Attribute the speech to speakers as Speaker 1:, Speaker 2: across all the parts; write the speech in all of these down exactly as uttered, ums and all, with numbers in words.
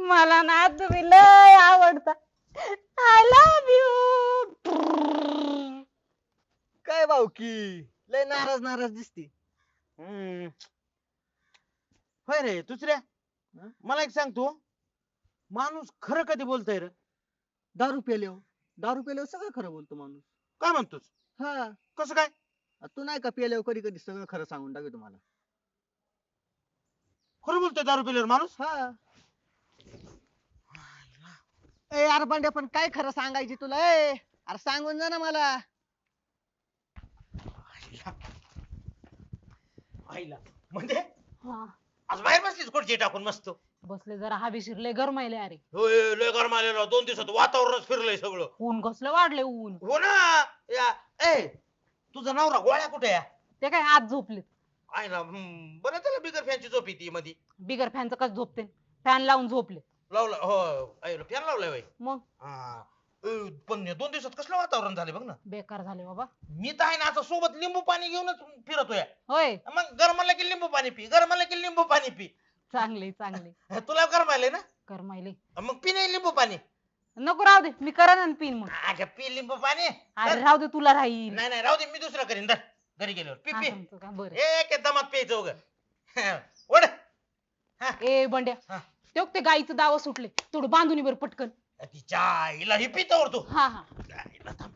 Speaker 1: मला ना तुम्ही लय आवडता. I love you.
Speaker 2: काय भाऊकी लय नाराज नाराज दिसती.
Speaker 3: हम्म होय रे दुसऱ्या मला एक सांग तू माणूस खरं कधी बोलतोय रे?
Speaker 2: दारू पेल्यावर दारू पेल्यावर सगळं खरं बोलतो माणूस.
Speaker 3: काय म्हणतोस?
Speaker 2: हा
Speaker 3: कसं काय?
Speaker 2: तू नाही का पेल्यावर कधी कधी सगळं खरं सांगून टाकू तुम्हाला.
Speaker 3: खरं बोलतोय दारू पिल्यावर माणूस?
Speaker 2: हा ए अरे बंड्या पण काय खरं सांगायची तुला ए अरे सांगून जा ना मला.
Speaker 3: आईला म्हणजे
Speaker 1: हा,
Speaker 3: आज बाहेर बसलीस खुर्ची टाकून मस्त.
Speaker 1: बसले जरा हवेशीर लय गरमायले. अरे
Speaker 3: होय लय गरम आलेला दोन दिवसात वातावरणच फिरलंय सगळं.
Speaker 1: ऊन कसलं वाढले ऊन.
Speaker 3: हो ना. या ए तुझा नवरा गोळ्या कुठे आहे?
Speaker 1: ते काय आज झोपलेत.
Speaker 3: आईला हम्म, बरं त्याला बिगर फॅनची झोप येते मध्ये.
Speaker 1: बिगर फॅनचं कसं झोपते? फॅन लावून झोपले.
Speaker 3: लावला हो आईला फॅन लावलाय बाई.
Speaker 1: मग
Speaker 3: हा ए, पण या दोन दिवसात कसलं वातावरण झाले बघ ना.
Speaker 1: बेकार झाले बाबा.
Speaker 3: मी तर आहे ना आता सोबत लिंबू पाणी घेऊनच फिरतोय.
Speaker 1: होय,
Speaker 3: मग गरमाला की लिंबू पाणी पी गरमाला की लिंबू पाणी पी.
Speaker 1: चांगले चांगले.
Speaker 3: तुला गरमायलंय ना
Speaker 1: गरमायले.
Speaker 3: मग पी नाही लिंबू पाणी.
Speaker 1: नको राहू दे, मी करा ना पिन मग.
Speaker 3: अगं पी लिंबू पाणी.
Speaker 1: अरे राहू दे, तुला राहील.
Speaker 3: नाही नाही राहू दे मी दुसरं करीन धर. घरी गेल्यावर पी
Speaker 1: हा,
Speaker 3: पी
Speaker 1: सांगतो का? बरं.
Speaker 3: एक दमात प्यायचं उग ओढ.
Speaker 1: ए बंड्या,
Speaker 3: हा.
Speaker 1: तो ते गाईचं दावा सुटले, थोडं बांधून ये बरं पटकन.
Speaker 3: तिच्या आईला ही पितो तू.
Speaker 1: हा हा.
Speaker 3: आईला थांब.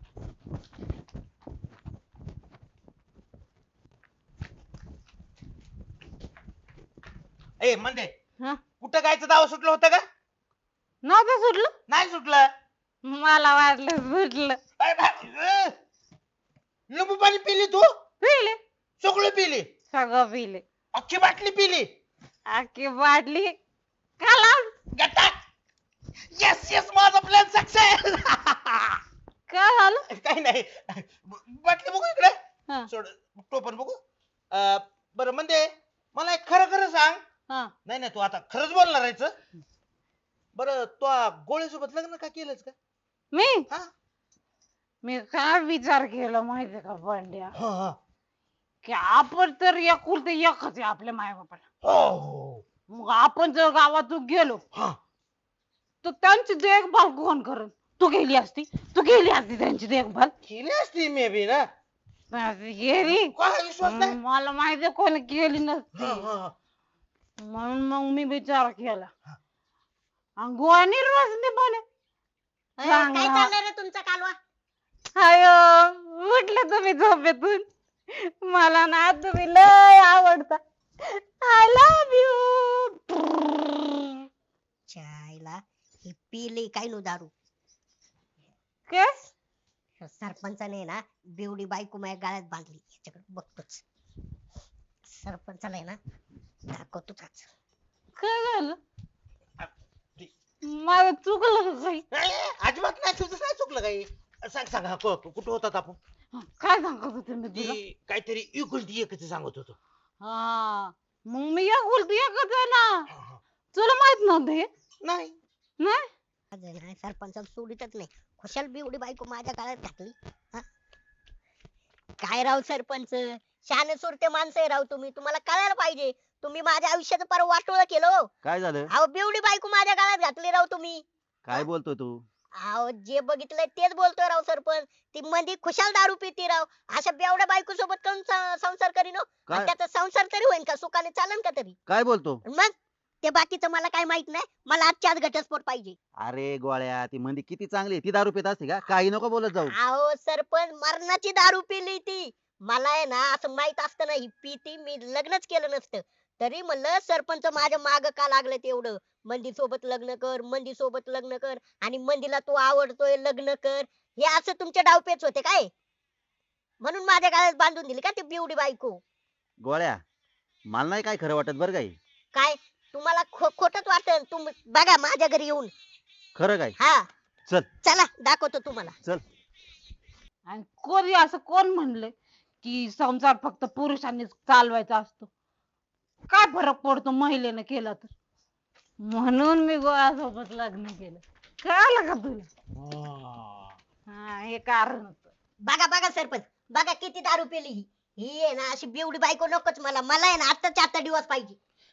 Speaker 3: ए म्हणते
Speaker 1: हा,
Speaker 3: कुठं गायचं दावा सुटलं होतं का?
Speaker 1: नव्हतं सुटलं.
Speaker 3: नाही सुटलं.
Speaker 1: मला वाटलं सुटलं.
Speaker 3: अरे बा- ए, लिंबू पाणी पिली तू?
Speaker 1: पिले,
Speaker 3: सगळं पिली?
Speaker 1: सगळं पिले.
Speaker 3: अख्खी बाटली पिली?
Speaker 1: आखी बाटली का लाव?
Speaker 3: येस येस माझा प्लॅन सक्सेस.
Speaker 1: का झालं?
Speaker 3: काही नाही बाटली बघू इकडे.
Speaker 1: हा,
Speaker 3: सोड टोपण बघू. अं, बरं म्हणजे मला एक खरं खरं सांग.
Speaker 1: हा.
Speaker 3: नाही नाही तू आता खरंच बोलणार आहेस? बरं तू गोळ्यासोबत लग्न का केलंस का?
Speaker 1: मी
Speaker 3: हा
Speaker 1: मी काय विचार केला माहितीये का बंड्या,
Speaker 3: हा हा.
Speaker 1: की आपण तर एकुलते एकच आहे आपल्या मायबापाला.
Speaker 3: हो
Speaker 1: मग आपण जर गावातून गेलो
Speaker 3: हा
Speaker 1: तर त्यांची देखभाल कोण करत? तू गेली असती, तू गेली असती त्यांची देखभाल.
Speaker 3: केली असती मे बी ना.
Speaker 1: नाही गेली.
Speaker 3: काय विश्वास नाही.
Speaker 1: मला माहितीये कोणी केली नसती.
Speaker 3: हा, हा, हा.
Speaker 1: म्हणून मग मी विचार केला. आणि गोवानी रोजनी बने
Speaker 4: अरे, काय चाललंय रे तुमचा कालवा?
Speaker 1: अयो उठले तुम्ही झोपेतून. मला ना तुम्ही लय आवडता. I love you.
Speaker 4: चायला ही पिली काय नो दारू.
Speaker 1: काय
Speaker 4: सरपंचाने ना बेवडी बायको माझ्या गाळ्यात बांधली. याच्याकडे बघतोच. सरपंचाला आहे ना दाखवतोच आज.
Speaker 1: काय झालं? माझं चुकलं का काही?
Speaker 3: नाही, अजिबात नाही तुझं नाही चुकलं काही. सांग सांग हा, कु- कुठं होतात आपण?
Speaker 1: काय सांगत होते मी तुला?
Speaker 3: ती काहीतरी इकुलती एकच सांगत होतो.
Speaker 1: हा, मग मी एक बोलते एकच आहे ना.
Speaker 3: हा, हा.
Speaker 1: तुला माहित नव्हतं हे?
Speaker 3: नाही
Speaker 1: नाही.
Speaker 4: आज आहे ना सरपंचाला सोडितच नाही. खुशाल बेवडी बायको माझ्या गाळ्यात घातली. हा? काय राव सरपंच, शहाणे सुरते माणसं आहे राव तुम्ही. तुम्हाला कळायला पाहिजे. तुम्ही माझ्या आयुष्याचं पार वाटोळं केलं हो.
Speaker 2: काय झालं?
Speaker 4: अहो बेवडी बायको माझ्या गाळ्यात घातली राव तुम्ही.
Speaker 2: काय बोलतोय तू?
Speaker 4: अहो जे बघितलंय तेच बोलतोय राव सरपंच. ती मंदी खुशाल दारू पिती राव. अशा बेवड्या बायको सोबत कोण स- संसार करीन हो?
Speaker 2: काय?
Speaker 4: आणि त्याचा संसार तरी होईल का? सुखाने चालन का तरी?
Speaker 2: काय बोलतो?
Speaker 4: मग ते बाकीचं मला काय माहित नाही. मला आजच्या आज घटस्फोट पाहिजे.
Speaker 2: अरे गोळ्या ती मंदी किती चांगली आहे. ती दारू पित असते का? काही नको बोलत जाऊ.
Speaker 4: अहो सरपंच मरणाची दारू पिली ती. मला आहे ना असं माहित असतं ना ही पिती मी लग्नच केलं नसतं. तरी म्हणलं सरपंच माझ्या माग का लागलं तेवढं. मंदी सोबत लग्न कर, मंदी सोबत लग्न कर आणि मंदीला तू आवडतोय लग्न कर. हे असं तुमचे डावपेच होते काय? म्हणून माझ्या गाळ्यात बांधून दिली का ती बिवडी बायको?
Speaker 2: गोळ्या मला नाही काय खरं वाटत बरं काही.
Speaker 4: काय तुम्हाला खो खोटच वाटत? तुम बघा माझ्या घरी येऊन.
Speaker 2: खरं काय?
Speaker 4: हा
Speaker 2: चल
Speaker 4: चला दाखवतो तुम्हाला.
Speaker 2: चल.
Speaker 1: आणि कोणी असं कोण म्हणलं की संसार फक्त पुरुषांनीच चालवायचा असतो? काय फरक पडतो महिलेनं केला तर? म्हणून मी गोळ्यासोबत लग्न केलं. कळालं का तुला? हा, हे कारण होतं.
Speaker 4: बघा बघा सरपंच, बघा किती दारू पिली ही. ही आहे ना अशी बेवडी बायको नकोच मला. मला आहे ना आत्ताच्या आत्ता दिवस पाहिजे.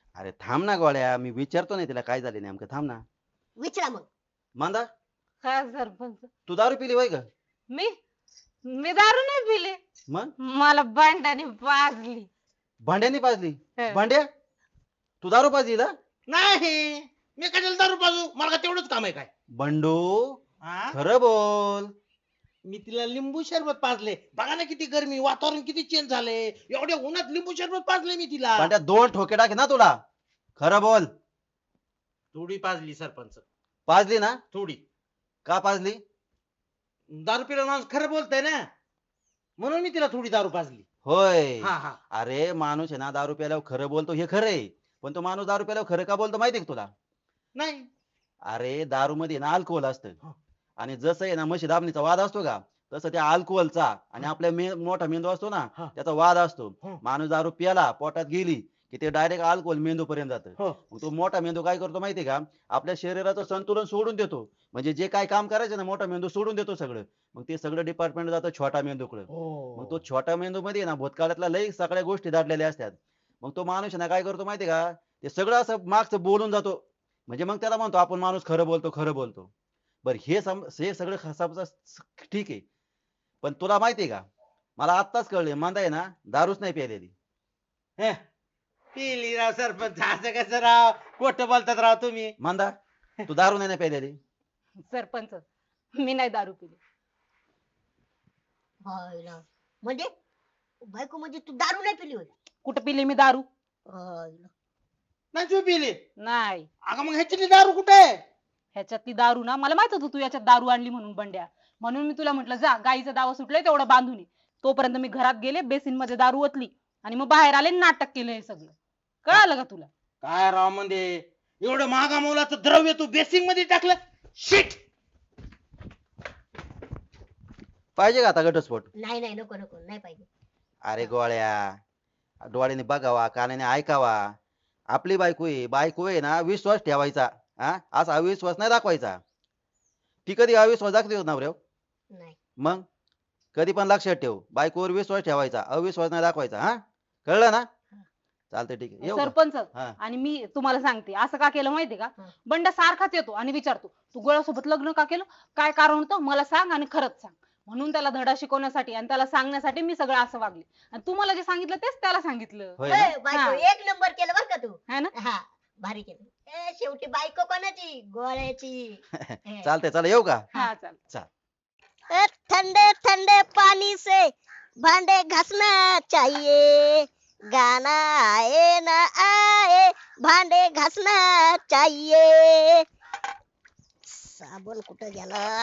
Speaker 5: अरे थांब ना गोळ्या, मी विचारतो नाही तिला काय झाले नेमकं, थांब ना.
Speaker 4: विचारा मग.
Speaker 5: मांदा,
Speaker 1: काय सरपंच?
Speaker 5: तू दारू पिली होय ग?
Speaker 1: मी मी दारू नाही पिली.
Speaker 5: मग
Speaker 1: मला बंडाने पाजली.
Speaker 5: भांड्यानी पाजली?
Speaker 1: हे.
Speaker 5: भांड्या, तू दारू पाजली ना?
Speaker 3: नाही, मी कशाला दारू पाजू, मला का तेवढंच काम आहे काय?
Speaker 5: बंडू,
Speaker 3: हा?
Speaker 5: खरं बोल.
Speaker 3: मी तिला लिंबू सरबत पाजले. बघा ना किती गरमी, वातावरण किती चेंज झाले, एवढ्या उन्हात लिंबू सरबत पाजले मी तिला.
Speaker 5: भांड्या दोन ठोके टाके ना तुला. खरं बोल.
Speaker 3: थोडी पाजली सरपंच,
Speaker 5: पाजली ना?
Speaker 3: थोडी.
Speaker 5: का पाजली?
Speaker 3: दारू पिला माणूस खरं बोलतय ना, म्हणून मी तिला थोडी दारू पाजली.
Speaker 5: होय.
Speaker 3: हा हा.
Speaker 5: अरे माणूस आहे ना दारू प्यायल्यावर खरं बोलतो हे खरं आहे, पण तो माणूस दारू प्यायल्यावर खरं का बोलतो माहितीये का तुला?
Speaker 3: नाही.
Speaker 5: अरे दारू मध्ये ना अल्कोहोल असतं,
Speaker 3: हा.
Speaker 5: आणि जसं आहे ना म्हशी दाबणीचा वाद असतो का, तसं त्या अल्कोहोलचा आणि आपल्या मे मोठा मेंदू असतो ना
Speaker 3: हा.
Speaker 5: त्याचा वाद असतो.
Speaker 3: हा.
Speaker 5: माणूस दारू प्याला पोटात गेली की ते डायरेक्ट अल्कोहोल मेंदू पर्यंत जातं.
Speaker 3: हो.
Speaker 5: मग तो मोठा मेंदू काय करतो माहितीये का, आपल्या शरीराचं संतुलन सोडून देतो. म्हणजे जे काय काम करायचं ना मोठा मेंदू सोडून देतो सगळं. मग ते सगळं डिपार्टमेंट जातं छोटा मेंदूकडे.
Speaker 3: हो.
Speaker 5: मग तो छोटा मेंदू मध्ये ना भूतकाळातल्या लई सगळ्या गोष्टी दडलेल्या असतात. मग तो माणूस आहे ना काय करतो माहितीये का, ते सगळं असं मागचं बोलून जातो. म्हणजे मग त्याला म्हणतो आपण माणूस खरं बोलतो खरं बोलतो. बर हे सम हे सगळं खसाबसा ठीक आहे, पण तुला माहितीये का, मला आत्ताच कळले मांदा आहे ना दारूच नाही प्यायलेली.
Speaker 3: हे, पिली राव सरपंच, असं कसं राव, खोटं बोलतात राव तुम्ही.
Speaker 5: मांदा, तू दारू नाही ना प्यायलेली?
Speaker 1: सरपंच, मी नाही दारू पिली.
Speaker 4: हायला. म्हणजे बायको म्हणजे तू दारू नाही पिली होय?
Speaker 1: कुठं पिली मी दारू?
Speaker 4: हायला.
Speaker 3: नाही तू पिली?
Speaker 1: नाही.
Speaker 3: अगं मग ह्याची दारू कुठे आहे?
Speaker 1: ह्याच्यातली दारू ना, मला माहित होतं तू याच्यात दारू आणली म्हणून बंड्या, म्हणून मी तुला म्हटलं जा गाईचं दावा सुटलंय तेवढं बांधून ये. तोपर्यंत मी घरात गेले, बेसिन मध्ये दारू ओतली आणि मग बाहेर आले, नाटक केलं हे सगळं. कळालं का तुला?
Speaker 3: काय राव म्हणजे एवढं महागा मोलाचं द्रव्य तू बेसिंग मध्ये टाकलं? शिट.
Speaker 5: पाहिजे का आता घटस्फोट?
Speaker 4: नाही नाही नको नको नाही पाहिजे.
Speaker 5: अरे गोळ्या, डोळ्याने बघावा कानाने ऐकावा. आपली बायको आहे, बायको आहे ना विश्वास ठेवायचा. हा, असा अविश्वास नाही दाखवायचा. ती कधी अविश्वास दाखवते नवऱ्यावर?
Speaker 4: नाही.
Speaker 5: मग कधी पण लक्षात ठेव, बायकोवर विश्वास ठेवायचा, अविश्वास नाही दाखवायचा. हा, कळलं ना? चालतंय, ठीक आहे, येऊ का?
Speaker 1: सरपंच,
Speaker 5: हा.
Speaker 1: आणि मी तुम्हाला सांगते असं का केलं माहितीये का,
Speaker 4: हा.
Speaker 1: बंडा सारखाच येतो आणि विचारतो तू गोळ्यासोबत लग्न का केलं, काय कारण होतं मला सांग आणि खरंच सांग. म्हणून त्याला धडा शिकवण्यासाठी आणि त्याला सांगण्यासाठी मी सगळं असं वागले, आणि तू मला जे सांगितलं तेच त्याला सांगितलं.
Speaker 5: होय ना?
Speaker 4: ए, बायको
Speaker 1: हा.
Speaker 4: एक नंबर केलं बर का तू.
Speaker 1: है ना?
Speaker 4: हा भारी केलं. ए शेवटी बायको कोणाची? गोळ्याची. ए.
Speaker 5: चालतंय, चला येऊ का?
Speaker 1: हा चाल.
Speaker 4: ए, ठंडे ठंडे पानी से भांडे घसना चाहिए, गाना आए ना आए भांडे घसना चाहिए. साबण कुठं गेला?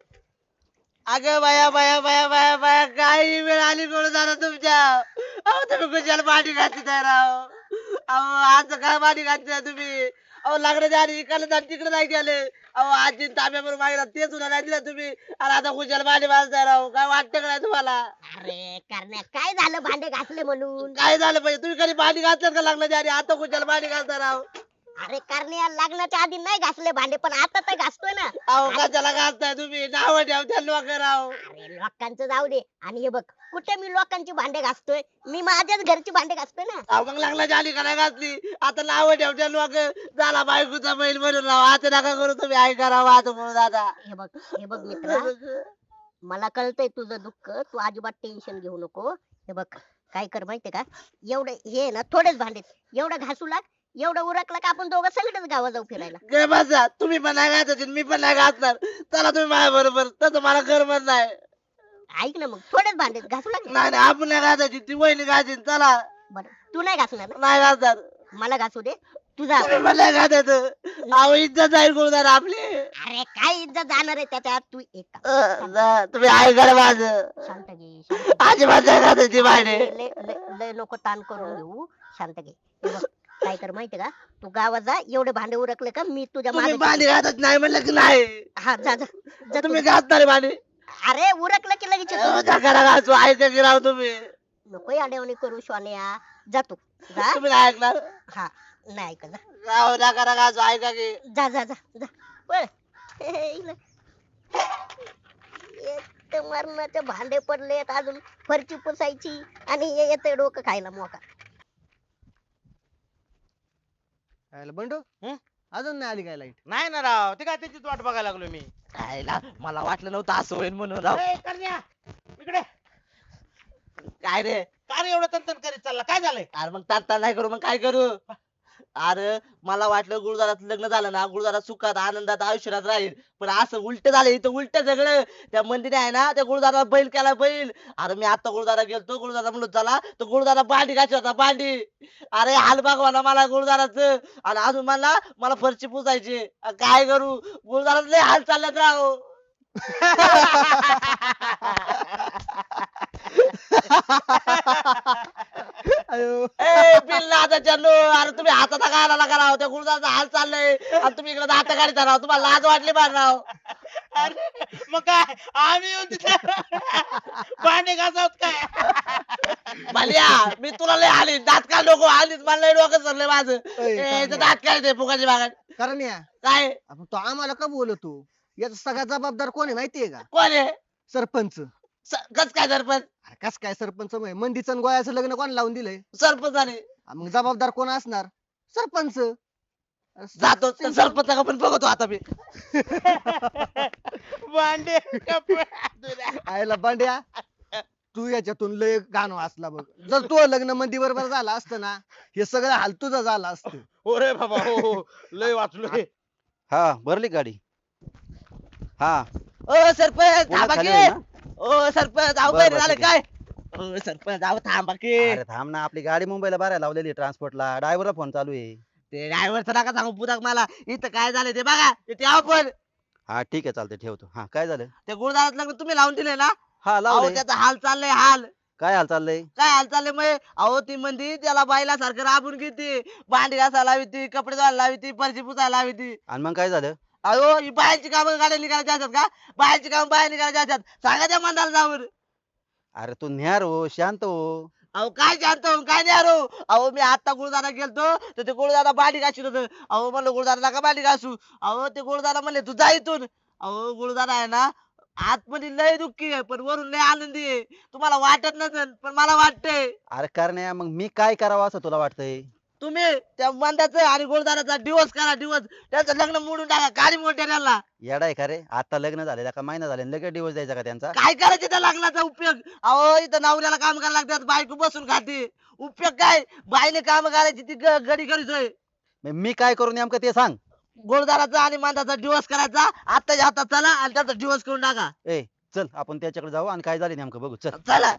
Speaker 2: अगं बाया बाया बाया बाया बाया, काही वेळ आली कोण झालं तुमच्या? अहो तुम्ही कुशाला भांडी घातली राव. अहो आज काय भांडी घातली तुम्ही? अहो लागण्याच्या आधी इकडे जाऊन तिकडे नाही गेले. अहो आजी तांब्यावर मागितला ते सुद्धा नाही दिलं तुम्ही, आणि आता कुशाला भांडी वाजताय राव. काय वाटतं का नाही तुम्हाला?
Speaker 4: अरे करण्या काय झालं भांडे घासले म्हणून?
Speaker 2: काय झालं पाहिजे? तुम्ही कधी भांडी घातलं का लागण्याच्या आधी? आता कुशाला भांडी घालता राव?
Speaker 4: अरे करण्या लग्नाच्या आधी नाही घासले भांडे, पण आता तर घासतोय ना.
Speaker 2: अहो कशाला घालताय तुम्ही? नाव ठेवत्या लोक राव.
Speaker 4: अरे लोकांचं जाऊ दे, आणि हे बघ कुठे मी लोकांची भांडे घासतोय, मी माझ्याच घरची भांडे घासतोय ना.
Speaker 2: अहो मग लागण्याच्या आधी का नाही घातली? आता नाव ठेवत्या लोक. झाला बायकोचा बैल म्हणून राव. आता नका करू तुम्ही, ऐका राव आता करू दादा.
Speaker 4: हे बघ हे बघ मित्रा, मला कळतंय तुझं दुःख, तू अजिबात टेन्शन घेऊ नको. हे बघ काय कर माहितीये का, एवढे हे ना थोडेच भांडे, एवढं घासू लाग, एवढं उरकलं का आपण दोघं सगळेच गावा जाऊ फिरायला.
Speaker 2: गे बसा, तुम्ही पण नाही घातच मी पण नाही घातणार. चला तुम्ही माझ्या बरोबर. तसं मला करमत नाही.
Speaker 4: ऐक ना मग थोडेच भांडे घासू लाग.
Speaker 2: नाही नाही, आपण नाही घातायची, ती वहिनी घातली. चला.
Speaker 4: बरं तू नाही घासणार ना?
Speaker 2: नाही घातणार.
Speaker 4: मला घासू दे तुझा.
Speaker 2: तुम्ही पण नाही घातायचं. अहो इज्जत जाईल कोण आपली.
Speaker 4: अरे काय इज्जत जाणार आहे त्याच्यात? तू एक काम.
Speaker 2: अं, जा, तुम्ही ऐका माझं.
Speaker 4: शांत घे शांत घे.
Speaker 2: अजिबात नाही घातायची भांडे.
Speaker 4: लय लय- लय नको ताण करून घेऊ, शांत घे. हे बघ काय कर माहितीये का, तू गावात जा, एवढे भांडे उरकले का मी तुझ्या
Speaker 2: तुम्ही
Speaker 4: मागे.
Speaker 2: भांडी घातच नाही म्हणलं की नाही.
Speaker 4: हा जा जा जा तू.
Speaker 2: तुम्ही घातणार भांडी.
Speaker 4: अरे उरकलं की लगेच येतो.
Speaker 2: अं, नका घासू, ऐका की राव तुम्ही.
Speaker 4: नको अडवणी करू श्वान्या. जा तू जा.
Speaker 2: तुम्ही नाही ऐकणार.
Speaker 4: हा नाही ऐकत जा.
Speaker 2: राव नका नका घासू, ऐका की.
Speaker 4: जा जा जा जा पळ. हिला. एक तर मरणाचे भांडे पडलेत, अजून फरची पुसायची, आणि हे येतंय डोकं खायला मोका.
Speaker 2: आयला बंडू
Speaker 3: हं?
Speaker 2: अजून नाही आली काय लाईट?
Speaker 3: नाही ना राव ते काय त्याचीच वाट बघायला लागलो मी.
Speaker 2: आयला मला वाटलं नव्हतं असं होईल म्हणून राव.
Speaker 3: ए, करण्या, इकडे
Speaker 2: काय रे?
Speaker 3: का रे एवढं तंतन करीत चालला काय झालंय?
Speaker 2: अरे मग तात्ता नाही करू मग काय करू? अरे मला वाटलं गुरुदारात लग्न झालं ना गुरुदारात सुखात आनंदात आयुष्यात राहील, पण असं उलट झालं इथं उलट सगळं. त्या मंदिर आहे ना त्या गुरुदाराला बैल केला बैल. अरे मी आता गुरुदारा गेलतो गुरुदारा म्हणलो चला तर गुरुदारा भांडी घातली होता भांडी. अरे हाल बघवा मला गुरुदाराचं. आणि अजून मला मला फरची पुसायची. अ, काय करू गुरुदारात लय हाल चालल्यात राव. ए बिल्लाचा नो अरे तुम्ही हाताचा गायला नका राव त्या गुरुदाराचा हाल चाललंय आणि तुम्ही इकडे हात काढता राव तुम्हाला लाज वाटली बा राव.
Speaker 3: अरे मग काय आम्ही येऊन तिथे भांडे घासावत काय?
Speaker 2: भालिया मी तुला लय आली दात काढ नको आलीच मला लय डोकं सरलंय माझं. ए, इथं दात काढते फुकाची बागात
Speaker 6: कारण या
Speaker 2: काय
Speaker 6: आपण तो आम्हाला का बोलतो याचा सगळा जबाबदार कोण आहे माहितीये का?
Speaker 2: कोण आहे
Speaker 6: सरपंच.
Speaker 2: स- कस काय सरपंच
Speaker 6: अरे कस काय सरपंच म्हणजे मंदीचं आणि गोळ्याचं लग्न कोण लावून दिलंय?
Speaker 2: सरपंच आले
Speaker 6: आ मग जबाबदार कोण असणार? सरपंच. अरे
Speaker 2: जातो तर सरपंच पण बघतो आता मी.
Speaker 3: भांडे कपडे
Speaker 6: आयला बांड्या तू याच्यातून लय गाणं वाचला बघ. जर तू लग्न मंदी बरोबर झाला असतं ना हे सगळं हाल तुझं झालं असतं.
Speaker 3: ओरे बाबा हो हो लय वाचलोय.
Speaker 5: हा भरली गाडी. हा
Speaker 2: ओ सरपंच
Speaker 5: पुण्यात
Speaker 2: थांबा
Speaker 5: खाली
Speaker 2: की.
Speaker 5: होईल ना?
Speaker 2: ओ सरपंच अहो
Speaker 5: बरं,
Speaker 2: बरं
Speaker 5: बरं,
Speaker 2: झालं
Speaker 5: ठीक आहे.
Speaker 2: काय? ओ सरपंच अहो थांबा की.
Speaker 5: अरे थांब ना आपली गाडी मुंबईला भरायला लावलेली ट्रान्सपोर्टला ड्रायव्हरला फोन चालू आहे.
Speaker 2: ते ड्रायव्हरचं नका सांगू पुराक मला इथं काय झालं ते बघा ते आपण
Speaker 5: हा ठीक आहे चालतंय ठेवतो. हा काय झालं?
Speaker 2: ते गुरुदारात लग्न तुम्ही लावून दिले ना
Speaker 5: हा
Speaker 2: अहो
Speaker 5: लावलंय.
Speaker 2: त्याचा हाल चाललंय हाल.
Speaker 5: काय हाल चाललंय?
Speaker 2: काय हाल चाललंय मग अहो ती मंदी त्याला बायला सारखं राबून घेते भांडी घासायला लावी ती कपडे धुवायला लावी ती फरशी पुसायला लावी ती.
Speaker 5: आणि मग काय झालं?
Speaker 2: अहो ही बायांची कामं गाड्या निघायच्या असतात का? बायांची कामं बाया निघायच्या असतात सांगा त्या मंदाला जाऊन.
Speaker 5: अरे तू न्यार हो शांत हो.
Speaker 2: अहो काय जानतो काय नाही अरो अहो मी आता गुरुदारा गेलतो तर ते गुरुदारा भांडी घासत होतं. अहो म्हणलं गुरुदारा नका भांडी घासू. अहो ते गुरुदारा म्हणले तू जा इथून. अहो गुरुदारा आहे ना आतमध्ये लय दुःखी आहे पण वरून लय आनंदी आहे. तुम्हाला वाटत नसेल पण मला वाटतंय.
Speaker 5: अरे करण्या मग मी काय करावं असं तुला वाटतंय?
Speaker 2: तुम्ही त्या मंदाचं आणि गुरुदाराचा डिवोर्स करा डिवोर्स त्यांचं लग्न मोडून टाका गाडी मोठ्या त्यांना.
Speaker 5: येडा आहे का रे? आता लग्न झालेला का महिना झाले लगेच डिवोर्स द्यायचा का त्यांचा?
Speaker 2: काय करायचं त्या लग्नाचा उपयोग? अहो इथं नवऱ्याला काम करायला लागतात बायको बसून खाते. उपयोग काय बाईने काम करायची ती ग- गडी करीतोय.
Speaker 5: मग मी काय करू नेमकं ते सांग.
Speaker 2: गोळदाराचा आणि मांदाचा डिवोर्स करायचा आत्ताच्या हातात चला आणि त्याचा डिवोर्स करून टाका.
Speaker 5: ए चल आपण त्याच्याकडे जाऊ आणि काय झाले नेमकं बघू चल.
Speaker 2: चला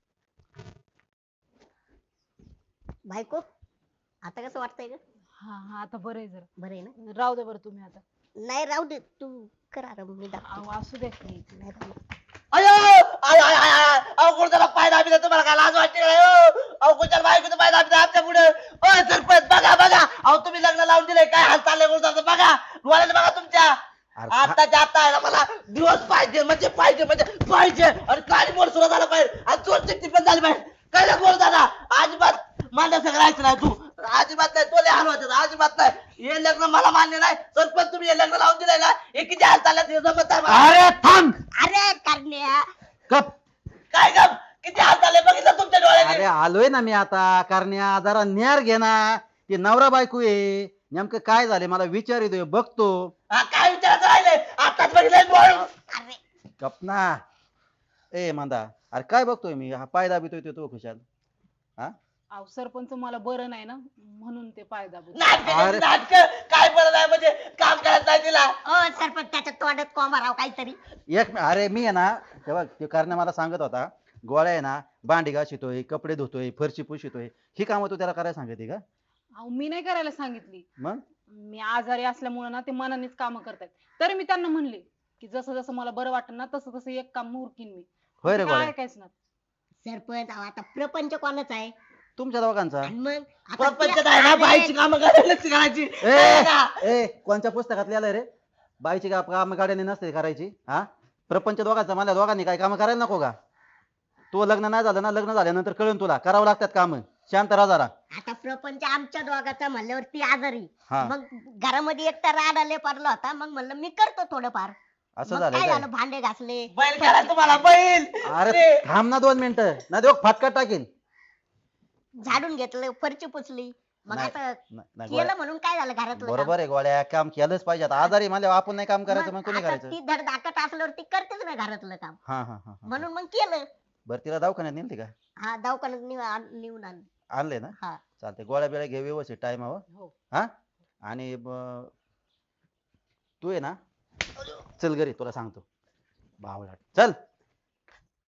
Speaker 4: बायको आता कसं वाटतंय ग?
Speaker 1: हा हा आता बरं आहे जरा.
Speaker 4: बरं आहे ना?
Speaker 1: राहू दे बरं तुम्ही आता.
Speaker 4: नाही राहू दे तू कर आराम मी दाखवते.
Speaker 1: अहो, असू दे की.
Speaker 4: नाही राहू दे.
Speaker 2: अयो आय आय आय आय. अहो गुरुदारा पाय दाबी तुम्हाला काय लाज वाटते का? अहो अहो कुठच्या बायकोचं पाय दाबी आमच्या पुढे. ओ सरपंच बघा बघा अहो तुम्ही लग्न लावून दिलंय काय हाल चाललंय गुरुदाराचं बघा डोळ्याला बघा तुमच्या.
Speaker 5: अरे खा-
Speaker 2: आताच्या आता आहे ना मला दिवस पाहिजे म्हणजे पाहिजे म्हणजे पाहिजे आणि काळी मोड सुरू झाला पाहिजे आणि चोर चिठ्ठी पण झाली पाहिजे. काय ना बोल दादा अजिबात माझ्या सगळं राहायचं नाही तू अजिबात नाही तो लय हाल होते अजिबात नाही. हे लग्न मला मान्य नाही. सरपंच तुम्ही हे लग्न लावून दिलंय ना हे किती हाल चालल्यात हे जमत नाही मला.
Speaker 5: अरे थांब
Speaker 4: अरे करण्या
Speaker 5: गप.
Speaker 2: काय गप किती हाल चालले बघितलं तुमच्या
Speaker 5: अरे
Speaker 2: डोळ्याने.
Speaker 5: आलोय ना मी आता करण्या जरा न्यार घे ना. ते नवरा बायको आहे नेमकं काय झाले मला विचार येतोय बघतो.
Speaker 2: हा, काय विचारायचं राहिले आताच बघितलंय बोल.
Speaker 4: अरे
Speaker 5: गप ना. ए मांदा अरे काय बघतोय मी हा पाय दाबितोय ते तो खुशाल. हा
Speaker 1: अहो सरपंच मला बरं नाही ना म्हणून ते पाय दाबत.
Speaker 5: अरे.
Speaker 2: नाटक नाटक काय बरं नाही म्हणजे काम करायचं नाही तिला.
Speaker 4: ओ सरपंच त्याच्या तोंडात कोंबा राव काहीतरी.
Speaker 5: एक मि- अरे मी आहे ना तेव्हा ते करण्या मला सांगत होता गोळ्या आहे ना भांडी घासितोय कपडे धुतोय फरशी पुशितोय ही कामं तू त्याला करायला सांगते का?
Speaker 1: अहो मी नाही करायला सांगितली.
Speaker 5: मग
Speaker 1: मी आजारी असल्यामुळे ना ते मनानेच काम करतायत. तरी मी त्यांना म्हणले की जसं जसं मला बरं वाटत ना तसं तसं एक काम उरकीन मी.
Speaker 5: होय रे
Speaker 1: ते काय
Speaker 5: गोळ्या
Speaker 1: ऐकायचं ना.
Speaker 4: सरपंच अहो, आता प्रपंच कोणाचा आहे?
Speaker 5: तुमच्या दोघांचा.
Speaker 4: आणि मग आता
Speaker 2: प्रपंच
Speaker 4: ते
Speaker 2: आहे ना
Speaker 4: आले-
Speaker 2: बाईची कामं करायलाच करायची.
Speaker 5: ए ए कोणत्या पुस्तकात लिहिलंय रे? बाईची का काम गाड्याने नसते करायची. हा प्रपंच दोघांचा मला दोघांनी काय काम करायला नको का? तू लग्न नाही झालं ना लग्न झाल्यानंतर कळून तुला करावं लागतात काम. शांत राहा जरा.
Speaker 4: आता प्रपंच आमच्या दोघाचा म्हणल्यावर ती आजारी.
Speaker 5: हा.
Speaker 4: मग घरामध्ये एकटा राड आले पडला होता मग म्हणलं मी करतो थोडंफार.
Speaker 5: असं
Speaker 4: मग
Speaker 5: झालंय
Speaker 4: काय
Speaker 5: काय?
Speaker 4: झालं भांडे घासले.
Speaker 2: बैल करा तुम्हाला बैल.
Speaker 5: अरे थांब ना दोन मिनिटं ना देऊ फाटका टाकीन.
Speaker 4: झाडून घेतलं फरची पुसली मग
Speaker 5: नाही,
Speaker 4: आता
Speaker 5: नाही, नाही, गोळ्या-
Speaker 4: केलं म्हणून काय झालं घरातलं काम?
Speaker 5: बरोबर आहे गोळ्या काम केलंच पाहिजे आता आजारी म्हणल्यावर आपण नाही काम करायचं
Speaker 4: मग
Speaker 5: मग कोणी
Speaker 4: आता
Speaker 5: करायचं
Speaker 4: ती धडधाकट असल्यावर ती करतेच ना घरातलं काम
Speaker 5: हा हा हा हा.
Speaker 4: म्हणून मग केलं.
Speaker 5: बरं तिला दवाखान्यात नेलते का
Speaker 4: हा दवाखान्यात नेऊ- आण- नेऊन आणलं.
Speaker 5: आणले ना
Speaker 4: हा
Speaker 5: चालते गोळ्या बिळ्या घे व्यवस्थित टाइमावर
Speaker 1: हो.
Speaker 5: हा आणि ब- तू आहे ना चल घरी तुला सांगतो भावला चल